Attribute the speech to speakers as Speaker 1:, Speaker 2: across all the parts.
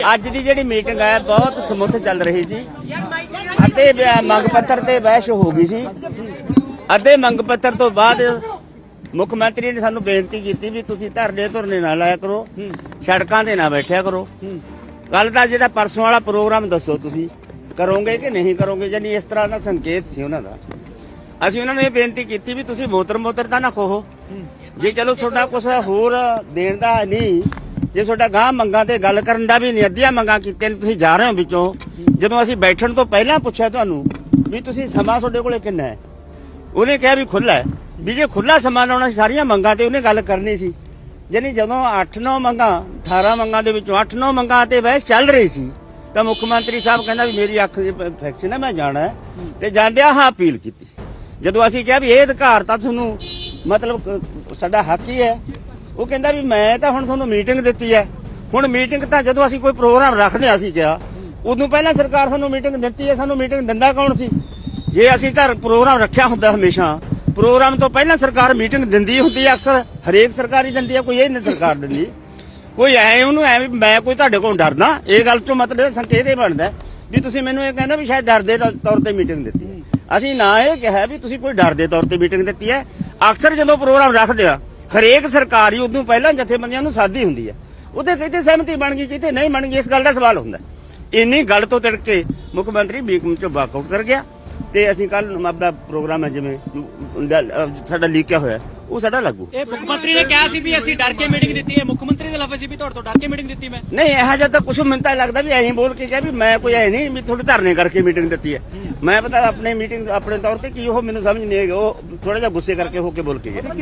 Speaker 1: ਅੱਜ ਦੀ ਜਿਹੜੀ ਮੀਟਿੰਗ ਹੈ ਬਹੁਤ ਸਮੁੱਥ ਚੱਲ ਰਹੀ ਸੀ ਅਤੇ ਮੰਗ ਪੱਤਰ ਤੇ ਬਹਿਸ ਹੋ ਗਈ ਸੀ। ਅਤੇ ਮੰਗ ਪੱਤਰ ਤੋਂ ਬਾਅਦ ਮੁੱਖ ਮੰਤਰੀ ਨੇ ਸਾਨੂੰ ਬੇਨਤੀ ਕੀਤੀ ਵੀ ਤੁਸੀਂ ਧਰਨੇ ਨਾ ਲਾਇਆ ਕਰੋ, ਸੜਕਾਂ ਤੇ ਨਾ ਬੈਠਿਆ ਕਰੋ। ਕੱਲ ਦਾ ਜਿਹੜਾ ਪਰਸੋਂ ਵਾਲਾ ਪ੍ਰੋਗਰਾਮ ਦੱਸੋ ਤੁਸੀਂ ਕਰੋਗੇ ਕਿ ਨਹੀਂ ਕਰੋਗੇ, ਜਾਨੀ ਇਸ ਤਰ੍ਹਾਂ ਦਾ ਸੰਕੇਤ ਸੀ ਉਹਨਾਂ ਦਾ। ਅਸੀਂ ਉਹਨਾਂ ਨੂੰ ਇਹ ਬੇਨਤੀ ਕੀਤੀ ਵੀ ਤੁਸੀਂ ਮੋਤਰ ਤਾਂ ਨਾ ਖੋਹੋ, ਜੇ ਚਲੋ ਤੁਹਾਡਾ ਕੁਛ ਹੋਰ ਦੇਣ ਦਾ ਨਹੀਂ, ਜੇ ਤੁਹਾਡਾ ਗਾਂ ਮੰਗਾਂ ਤੇ ਗੱਲ ਕਰਨ ਦਾ ਵੀ ਨਹੀਂ, ਅੱਧੀਆਂ ਮੰਗਾਂ ਕੀਤੀਆਂ ਤੁਸੀਂ ਜਾ ਰਹੇ ਹੋ ਵਿੱਚੋਂ। ਜਦੋਂ ਅਸੀਂ ਬੈਠਣ ਤੋਂ ਪਹਿਲਾਂ ਪੁੱਛਿਆ ਤੁਹਾਨੂੰ ਵੀ ਤੁਸੀਂ ਸਮਾਂ ਤੁਹਾਡੇ ਕੋਲੇ ਕਿੰਨਾ ਹੈ, ਉਹਨੇ ਕਿਹਾ ਵੀ ਖੁੱਲਾ ਹੈ। ਵੀ ਜੇ ਖੁੱਲਾ ਸਮਾਂ ਲਾਉਣਾ ਸੀ ਸਾਰੀਆਂ ਮੰਗਾਂ ਤੇ ਉਹਨੇ ਗੱਲ ਕਰਨੀ ਸੀ। ਜਾਨੀ ਜਦੋਂ 8-9 ਮੰਗਾਂ 18 ਮੰਗਾਂ ਦੇ ਵਿੱਚੋਂ 8-9 ਮੰਗਾਂ ਤੇ ਬਹਿਸ ਚੱਲ ਰਹੀ ਸੀ ਤਾਂ ਮੁੱਖ ਮੰਤਰੀ ਸਾਹਿਬ ਕਹਿੰਦਾ ਵੀ ਮੇਰੀ ਅੱਖ ਦੀ ਇਨਫੈਕਸ਼ਨ ਹੈ, ਮੈਂ ਜਾਣਾ ਹੈ, ਤੇ ਜਾਂਦਿਆਂ ਹਾਂ ਅਪੀਲ ਕੀਤੀ। ਜਦੋਂ ਅਸੀਂ ਕਿਹਾ ਵੀ ਇਹ ਅਧਿਕਾਰ ਤਾਂ ਤੁਹਾਨੂੰ ਮਤਲਬ ਸਾਡਾ ਹੱਕ ਹੀ ਹੈ, ਉਹ ਕਹਿੰਦਾ ਵੀ ਮੈਂ ਤਾਂ ਹੁਣ ਤੁਹਾਨੂੰ ਮੀਟਿੰਗ ਦਿੱਤੀ ਹੈ। ਹੁਣ ਮੀਟਿੰਗ ਤਾਂ ਜਦੋਂ ਅਸੀਂ ਕੋਈ ਪ੍ਰੋਗਰਾਮ ਰੱਖਦੇ ਹਾਂ ਅਸੀਂ ਕਿਹਾ ਉਦੋਂ ਪਹਿਲਾਂ ਸਰਕਾਰ ਸਾਨੂੰ ਮੀਟਿੰਗ ਦਿੱਤੀ ਹੈ। ਸਾਨੂੰ ਮੀਟਿੰਗ ਦਿੰਦਾ ਕੌਣ ਸੀ? ਜੇ ਅਸੀਂ ਘਰ ਪ੍ਰੋਗਰਾਮ ਰੱਖਿਆ ਹੁੰਦਾ ਹਮੇਸ਼ਾ ਪ੍ਰੋਗਰਾਮ ਤੋਂ ਪਹਿਲਾਂ ਸਰਕਾਰ ਮੀਟਿੰਗ ਦਿੰਦੀ ਹੁੰਦੀ ਹੈ, ਅਕਸਰ ਹਰੇਕ ਸਰਕਾਰ ਹੀ ਦਿੰਦੀ ਹੈ, ਕੋਈ ਇਹ ਨਹੀਂ ਸਰਕਾਰ ਦਿੰਦੀ। ਕੋਈ ਐ ਉਹਨੂੰ ਐ ਵੀ ਮੈਂ ਕੋਈ ਤੁਹਾਡੇ ਕੋਲ ਡਰਦਾ, ਇਹ ਗੱਲ ਤੋਂ ਮਤਲਬ ਸੰਕੇਤ ਇਹ ਬਣਦਾ ਵੀ ਤੁਸੀਂ ਮੈਨੂੰ ਇਹ ਕਹਿੰਦਾ ਵੀ ਸ਼ਾਇਦ ਡਰ ਦੇ ਤੌਰ ਤੇ ਮੀਟਿੰਗ ਦਿੱਤੀ। ਅਸੀਂ ਨਾ ਇਹ ਕਿਹਾ ਵੀ ਤੁਸੀਂ ਕੋਈ ਡਰ ਦੇ ਤੌਰ ਤੇ ਮੀਟਿੰਗ ਦਿੱਤੀ ਹੈ। ਅਕਸਰ ਜਦੋਂ ਪ੍ਰੋਗਰਾਮ ਰੱਖਦੇ ਆ ਹਰੇਕ ਸਰਕਾਰ ਹੀ ਉਦੋਂ ਪਹਿਲਾਂ ਜਥੇਬੰਦੀਆਂ ਨੂੰ ਸਾਦੀ ਹੁੰਦੀ ਹੈ, ਉਹਦੇ ਕਿਤੇ ਸਹਿਮਤੀ ਬਣ ਗਈ ਕਿਤੇ ਨਹੀਂ ਬਣ ਗਈ, ਇਸ ਗੱਲ ਦਾ ਸਵਾਲ ਹੁੰਦਾ। ਇੰਨੀ ਗੱਲ ਤੋਂ ਤਿੜਕ ਕੇ ਮੁੱਖ ਮੰਤਰੀ ਮੀਟਿੰਗ ਚੋਂ ਵਾਕਆਊਟ ਕਰ ਗਿਆ ਤੇ ਅਸੀਂ ਕੱਲ ਆਪਦਾ ਪ੍ਰੋਗਰਾਮ ਹੈ ਜਿਵੇਂ ਸਾਡਾ ਲੀਕਿਆ ਹੋਇਆ ਉਹ ਸਾਡਾ ਲਾਗੂ।
Speaker 2: ਇਹ ਮੁੱਖ ਮੰਤਰੀ ਨੇ ਕਿਹਾ ਸੀ ਵੀ ਅਸੀਂ ਡਰ ਕੇ ਮੀਟਿੰਗ ਦਿੱਤੀ ਹੈ, ਮੁੱਖ ਮੰਤਰੀ ਦੇ ਲਫ਼ਜ਼ ਸੀ ਵੀ ਤੁਹਾਡੇ ਤੋਂ ਡਰ ਕੇ ਮੀਟਿੰਗ ਦਿੱਤੀ ਮੈਂ।
Speaker 1: ਨਹੀਂ ਇਹੋ ਜਿਹਾ ਤਾਂ ਕੁਛ ਮੈਨੂੰ ਤਾਂ ਲੱਗਦਾ ਵੀ ਐਂ ਬੋਲ ਕੇ ਕਿਹਾ ਵੀ ਮੈਂ ਕੋਈ ਐ ਨਹੀਂ ਵੀ ਤੁਹਾਡੇ ਧਰਨੇ ਕਰਕੇ ਮੀਟਿੰਗ ਦਿੱਤੀ ਹੈ। ਮੈਂ ਪਤਾ ਆਪਣੇ ਮੀਟਿੰਗ ਆਪਣੇ ਤੌਰ ਤੇ ਕੀ ਉਹ ਮੈਨੂੰ ਸਮਝ ਨਹੀਂ ਆਈ, ਉਹ ਥੋੜਾ ਜਿਹਾ ਗੁੱਸੇ ਕਰਕੇ ਹੋ ਕੇ ਬੋਲ ਕੇ ਗਿਆ।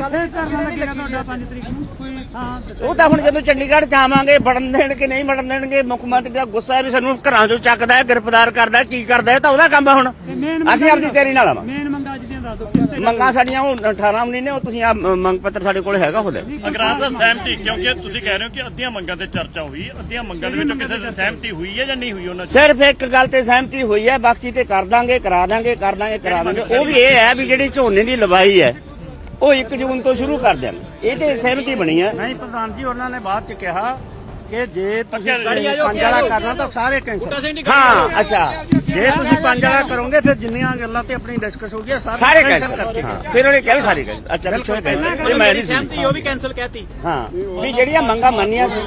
Speaker 1: ਉਹ ਤਾਂ ਹੁਣ ਜਦੋਂ ਚੰਡੀਗੜ੍ਹ ਜਾਵਾਂਗੇ ਵੜਨ ਦੇਣਗੇ ਨਹੀਂ ਵੜਨ ਦੇਣਗੇ, ਮੁੱਖ ਮੰਤਰੀ ਦਾ ਗੁੱਸਾ ਹੈ ਵੀ ਸਾਨੂੰ ਘਰਾਂ ਚੋਂ ਚੱਕਦਾ ਹੈ, ਗ੍ਰਿਫਤਾਰ ਕਰਦਾ, ਕੀ ਕਰਦਾ ਹੈ, ਤਾਂ ਉਹਦਾ ਕੰਮ ਹੈ। ਹੁਣ ਅਸੀਂ ਆਪਣੀ ਤਿਆਰੀ ਨਾਲ ਆਵਾਂਗੇ। ਮੰਗਾਂ ਸਾਡੀਆਂ ਉਹ 18 ਮਹੀਨੇ ਉਹ ਤੁਸੀਂ ਆ ਮੰਗ ਪੱਤਰ ਸਾਡੇ ਕੋਲ ਹੈਗਾ ਉਹਦੇ
Speaker 3: ਅਗਰਾਜ ਸਾਹਿਬ ਸਹਿਮਤੀ, ਕਿਉਂਕਿ ਤੁਸੀਂ ਕਹਿ ਰਹੇ ਹੋ ਕਿ ਅੱਧੀਆਂ ਮੰਗਾਂ ਤੇ ਚਰਚਾ ਹੋਈ, ਅੱਧੀਆਂ ਮੰਗਾਂ ਦੇ ਵਿੱਚੋਂ ਕਿਸੇ ਦੀ ਸਹਿਮਤੀ ਹੋਈ ਹੈ ਜਾਂ ਨਹੀਂ ਹੋਈ? ਉਹਨਾਂ
Speaker 1: ਸਿਰਫ ਇੱਕ ਗੱਲ ਤੇ ਸਹਿਮਤੀ ਹੋਈ ਹੈ, ਬਾਕੀ ਤੇ ਕਰ ਦਾਂਗੇ ਕਰਾ ਦਾਂਗੇ। ਉਹ ਵੀ ਇਹ ਹੈ ਵੀ ਜਿਹੜੀ ਝੋਨੇ ਦੀ ਲਵਾਈ ਹੈ ਉਹ 1 ਜੂਨ ਤੋਂ ਸ਼ੁਰੂ ਕਰ ਦਿਆਂਗੇ, ਇਹ ਤੇ ਸਹਿਮਤੀ ਬਣੀ ਹੈ।
Speaker 4: ਨਹੀਂ ਪ੍ਰਧਾਨ ਜੀ ਉਹਨਾਂ ਨੇ ਬਾਅਦ ਚ ਕਿਹਾ ਕਿ ਜੇ ਤੁਸੀਂ 5 ਵਾਲਾ ਕਰਨਾ ਤਾਂ ਸਾਰੇ ਕੈਂਸਲ।
Speaker 1: ਹਾਂ ਅੱਛਾ,
Speaker 4: ਜੇ ਤੁਸੀਂ 5 ਵਾਲਾ ਕਰੋਗੇ ਫਿਰ ਜਿੰਨੀਆਂ ਗੱਲਾਂ ਤੇ ਆਪਣੀ ਡਿਸਕਸ ਹੋ ਗਈ
Speaker 1: ਸਾਰੇ ਕੈਂਸਲ ਕਰਕੇ। ਫਿਰ ਉਹਨੇ ਕਿਹਾ ਸਾਰੇ ਕੈਂਸਲ। ਅੱਛਾ ਪਿੱਛੋਂ ਮੈਂ ਨਹੀਂ
Speaker 2: ਸਹਿਮਤੀ ਉਹ ਵੀ ਕੈਂਸਲ ਕਹਿਤੀ।
Speaker 1: ਹਾਂ ਵੀ ਜਿਹੜੀਆਂ ਮੰਗਾਂ ਮੰਨੀਆਂ ਸੀ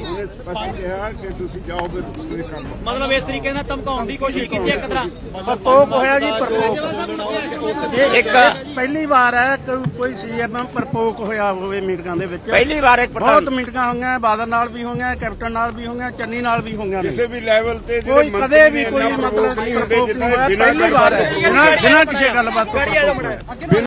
Speaker 2: ਮਤਲਬ ਇਸ ਤਰੀਕੇ ਨਾਲ ਧਮਕਾਉਣ ਦੀ ਕੋਸ਼ਿਸ਼ ਕੀਤੀ ਹੈ ਕਦਰਾ।
Speaker 4: ਪ੍ਰਕੋਪ ਹੋਇਆ ਜੀ, ਪ੍ਰਕੋਪ। ਇਹ ਇੱਕ ਪਹਿਲੀ ਵਾਰ ਹੈ ਕੋਈ ਸੀਐਮ ਪ੍ਰਕੋਪ ਹੋਇਆ ਹੋਵੇ ਮੀਟਿੰਗਾਂ ਦੇ ਵਿੱਚ।
Speaker 1: ਪਹਿਲੀ ਵਾਰ ਇੱਕ
Speaker 4: ਬਹੁਤ ਮੀਟਿੰਗਾਂ ਹੋਈਆਂ, ਬਾਦਲ ਨਾਲ ਵੀ ਹੋਈਆਂ, ਕੈਪਟਨ ਨਾਲ ਵੀ ਹੋਈਆਂ, ਚੰਨੀ ਨਾਲ ਵੀ ਹੋਈਆਂ।
Speaker 5: ਕਿਸੇ ਵੀ ਲੈਵਲ ਤੇ
Speaker 4: ਕੋਈ ਕਦੇ ਵੀ ਕੋਈ ਮਤਲਬ ਨਹੀਂ ਹੁੰਦੇ, ਪਹਿਲੀ ਵਾਰ ਹੈ ਬਿਨਾਂ ਕਿਸੇ ਗੱਲਬਾਤ ਤੋਂ।